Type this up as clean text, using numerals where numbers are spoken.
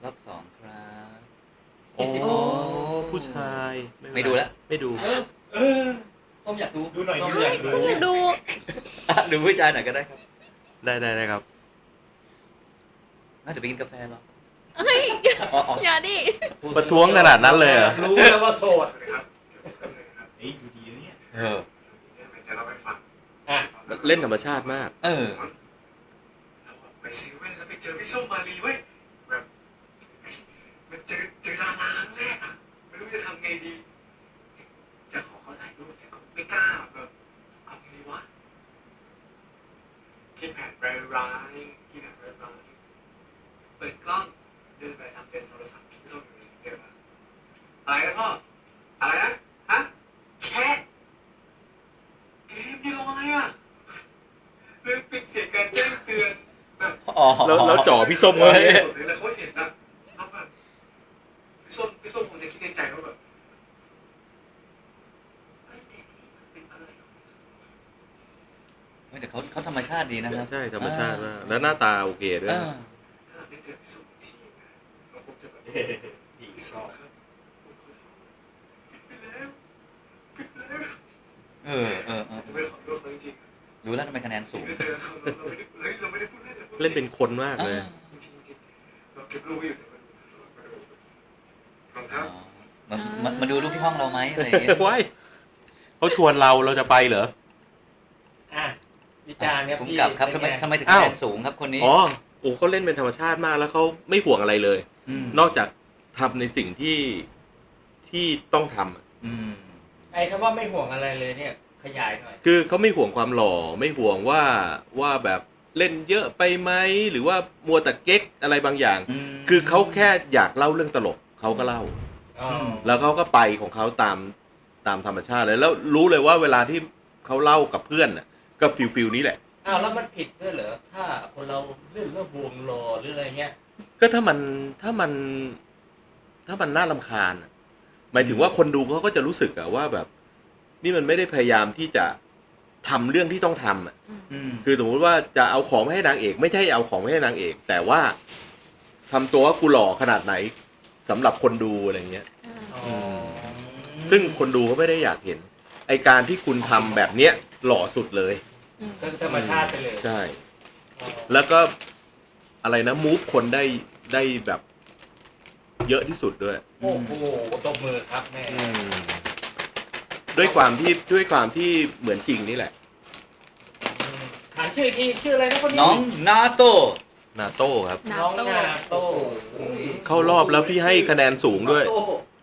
รอบสองครับโอ้ผู้ชายไม่ดูแล้วไม่ดูส้มอยากดูดูหน่อยใช่ฉันอยากดูดูผู้ชายหน่อยก็ได้ครับได้ครับน่าจะไปกินกาแฟหรอเฮ้ยอย่าดิประท้วงขนาดนั้นเลยเหรอรู้แล้วว่าโสดครับเฮ้ยดูดีนะเนี่ยจะเล่าให้ฟังเล่นธรรมชาติมากเราไปเซเว่นแล้วไปเจอพี่ส้มมาลีเว้ยแบบมันเจอดาราครั้งแรกอ่ะไม่รู้จะทำไงดีจะขอเขาถ่ายรูปแต่ก็ไม่กล้าแบบเอาไงดีวะคิดแผนร้ายๆคิดแผนร้ายๆเปิดกล้องเดินไปทำเป็นโทรศัพท์พี่ส้มอยู่เลยเดินมาอะไรนะพ่ออะไรนะฮะแชทเกมนี่ลงอะไรอ่ะลืมปิดเสียงการแจ้งเตือนแบบแล้วจ่อพี่ส้มเลยแล้วเขาเห็นนะแล้วแบบพี่ส้มคงจะคิดในใจว่าแบบไอ้เด็กนี่มันเป็นอะไรของแต่เขาธรรมชาติดีนะครับใช่ธรรมชาติมากแล้วหน้าตาโอเคด้วยถ้าได้เจอพี่ส้มทีนะเราคงจะแบบดีซอครับผมขอโทษผิดไปแล้วจะไม่ขอโทษเขาจริงรู้แล้วทำไมคะแนนสูงเราไม่ได้พูดเล่นเล่นเป็นคนมากเลยเราเก็บรูปอยู่มาดูรูปที่ห้องเราไหมอะไรอย่างเงี้ยว้ายเขาชวนเราจะไปเหรอวิจารณ์ครับผมกลับครับทำไมถึงคะแนนสูงครับคนนี้เขาเล่นเป็นธรรมชาติมากแล้วเขาไม่ห่วงอะไรเลยนอกจากทำในสิ่งที่ต้องทำไอ้คำว่าไม่ห่วงอะไรเลยเนี่ยขยายหน่อยคือเขาไม่ห่วงความหล่อไม่ห่วงว่าแบบเล่นเยอะไปไหมหรือว่ามัวแต่เก๊กอะไรบางอย่างคือเขาแค่อยากเล่าเรื่องตลกเขาก็เล่าแล้วเขาก็ไปของเขาตามธรรมชาติเลยแล้วรู้เลยว่าเวลาที่เขาเล่ากับเพื่อนน่ะก็ฟิลนี้แหละแล้วมันผิดด้วยเหรอถ้าคนเราเล่นแล้วห่วงหล่อหรืออะไรเงี้ยก็ถ้ามันน่ารำคาญหมายถึงว่าคนดูเขาก็จะรู้สึกว่าแบบนี่มันไม่ได้พยายามที่จะทำเรื่องที่ต้องทำคือสมมุติว่าจะเอาของมาให้นางเอกไม่ใช่เอาของมาให้นางเอกแต่ว่าทำตัวว่ากูหล่อขนาดไหนสำหรับคนดูอะไรเงี้ยซึ่งคนดูเขาไม่ได้อยากเห็นไอการที่คุณทำแบบเนี้ยหล่อสุดเลยก็ธรรมชาติไปเลยใช่แล้วก็อะไรนะมูฟคนได้แบบเยอะที่สุดด้วยโอ้โหตบมือครับแม่ด้วยความที่เหมือนจริงนี่แหละถามชื่อที่ชื่ออะไรนะคนนี้น้องนาโต้ครับน้องนาโต้เข้ารอบแล้วพี่ให้คะแนนสูงด้วย